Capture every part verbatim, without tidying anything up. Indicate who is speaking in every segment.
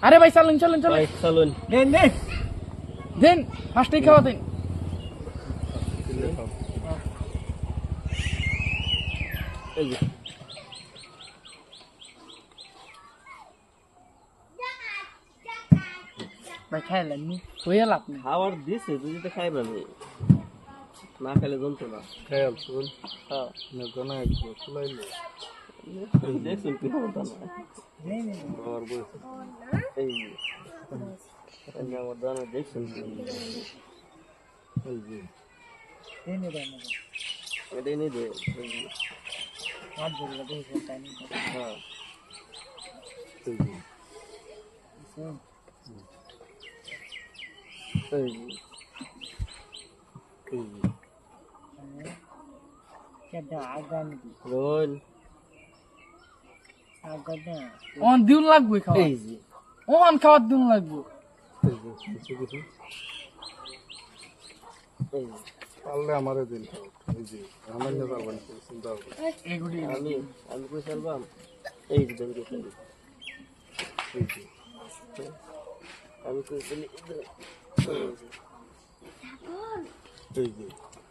Speaker 1: আরে ভাই চলুন চলুন চলুন
Speaker 2: ভাই চলুন
Speaker 1: দেন দেন দেন ফার্স্টে খাওয়া দেন
Speaker 2: এই যে
Speaker 1: ভাই খাইলেন নি হয়ে লাভ নেই
Speaker 2: খাবার দিছে তুই তো খাইবে না না খেলে জমতো না
Speaker 3: খেয়াল শুন
Speaker 2: হ্যাঁ
Speaker 3: না জানা একটু চলাইলে
Speaker 2: দেখছেন কি হতো না
Speaker 1: নেই নেই
Speaker 3: বাবার বয়স
Speaker 2: এই এই আমার দানা দেখছেন
Speaker 3: এই যে
Speaker 1: দেন দেন
Speaker 2: এটাই নেই দে এই যে,
Speaker 1: হাত ধরে দেখো টাইম
Speaker 2: হ্যাঁ
Speaker 3: এই যে
Speaker 2: এই যে
Speaker 3: এই যে
Speaker 1: কেডা আগান দি
Speaker 2: রোল
Speaker 1: আগাদা অন দিন লাগবে খাওয়া
Speaker 2: এই যে
Speaker 1: অন খাওয়ার দিন লাগবে
Speaker 3: এই যে কিছু কিছু
Speaker 2: এই যে
Speaker 3: পারলে আমারে দিন এই যে আমার না পারবেন চিন্তা করবেন
Speaker 1: এগুলি
Speaker 2: আমি আমি কই চলবাম এই যে দেন কই চলি
Speaker 3: এই যে
Speaker 2: আমি কই চলি
Speaker 3: এই যে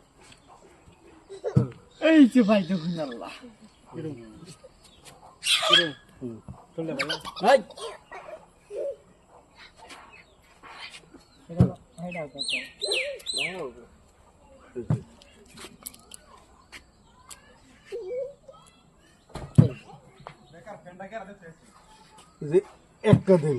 Speaker 1: এই যে ভাই দেখুন আল্লাহ
Speaker 3: চলে গেল
Speaker 2: হাই
Speaker 1: এটা হাইডা কত
Speaker 2: নাও
Speaker 3: এই যে এই যে একটা দিন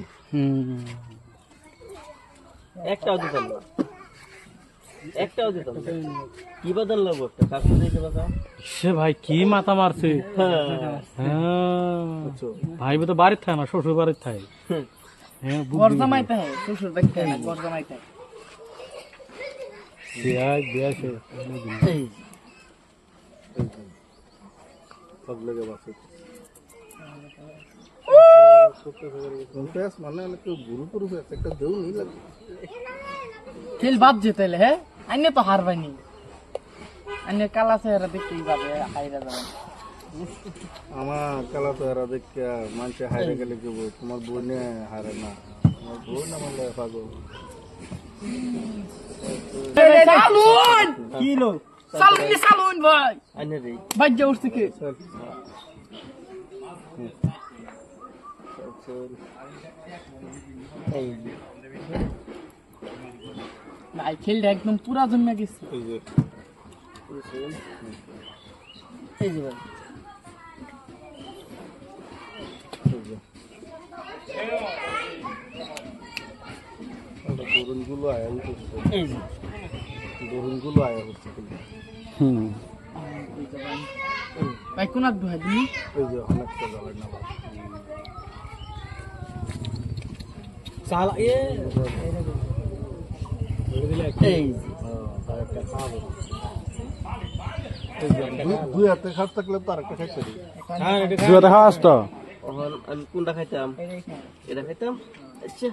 Speaker 2: একটাও দিতাম না একটাও দিতাম না কি বদল লাগবো একটা কাকু দিতে বাবা
Speaker 4: সে ভাই কি মাথা মারছে হ্যাঁ
Speaker 3: আচ্ছা
Speaker 4: ভাই তো বাড়ির থাকে না শ্বশুর বাড়ির থাকে হ্যাঁ
Speaker 1: ঘর জামাইতে হয় শ্বশুর দেখতে না ঘর জামাইতে হয়
Speaker 4: বিয়া বিয়া সে
Speaker 2: এই
Speaker 3: এই যে সব লেগে বাসে মানে অনেক গুরু পুরু একটা দেউ নি লাগে
Speaker 1: খেল বাদ যেতে হ্যাঁ আইনে তো হারবাইনি আইনে কালা চেহারা দেখতেই পাবে হাইরা যাবেন
Speaker 3: আমার কালা তো এরা দেখে মানুষে হারে গেলে কি বল তোমার বোনে হারে না তোমার বোন আমার পাগল
Speaker 1: সালুন
Speaker 2: কি লো
Speaker 1: সালুন সালুন ভাই
Speaker 2: আনে রে
Speaker 1: ভাই যা উঠছে কি
Speaker 2: চল এই যে
Speaker 1: ভাই খেলটা একদম পুরা জমে গেছে
Speaker 3: এই যে
Speaker 2: এই যে ভাই
Speaker 3: এই যে দরুন গুলো আয়া হচ্ছে
Speaker 2: এই যে
Speaker 3: দরুন গুলো আয়া হচ্ছে
Speaker 4: হুম
Speaker 1: ভাই কোন আদ ভাই তুমি
Speaker 3: এই যে অনেকটা জ্বালায় না ভাই
Speaker 2: সালা এ এই যে
Speaker 3: তার একটা খাবো দুই হাতে খাট থাকলে তো আরেকটা খাইতে দিই
Speaker 4: দুয়া দেখা আসতো
Speaker 2: ওহন আমি কোনটা খাইতাম এটা খাইতাম আচ্ছা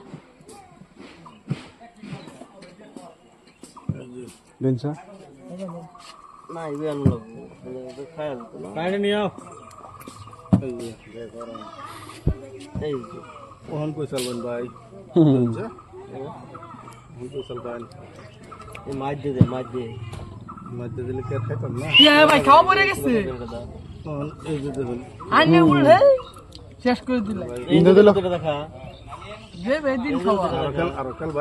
Speaker 4: দিনছা
Speaker 2: না ইবে আনু লাগবো এটা খায়াল তো না
Speaker 4: বাইরে নিও
Speaker 3: এই যে দেখো
Speaker 2: এই যে
Speaker 3: ওহন কই চলবেন ভাই
Speaker 4: হুম
Speaker 3: আচ্ছা ওহন কই চলবেন
Speaker 2: এই মাছ দে দে মাছ দে
Speaker 3: মধ্যে দিলে কে খাইতাম না
Speaker 1: কি ভাই খাওয়া পড়ে গেছে
Speaker 3: ওহন এই যে দেখুন
Speaker 1: আইনে উল্লে শেষ করে দিলে
Speaker 2: এই যে দেখা
Speaker 1: যে বেদিন খাওয়া
Speaker 3: আর কাল আর কাল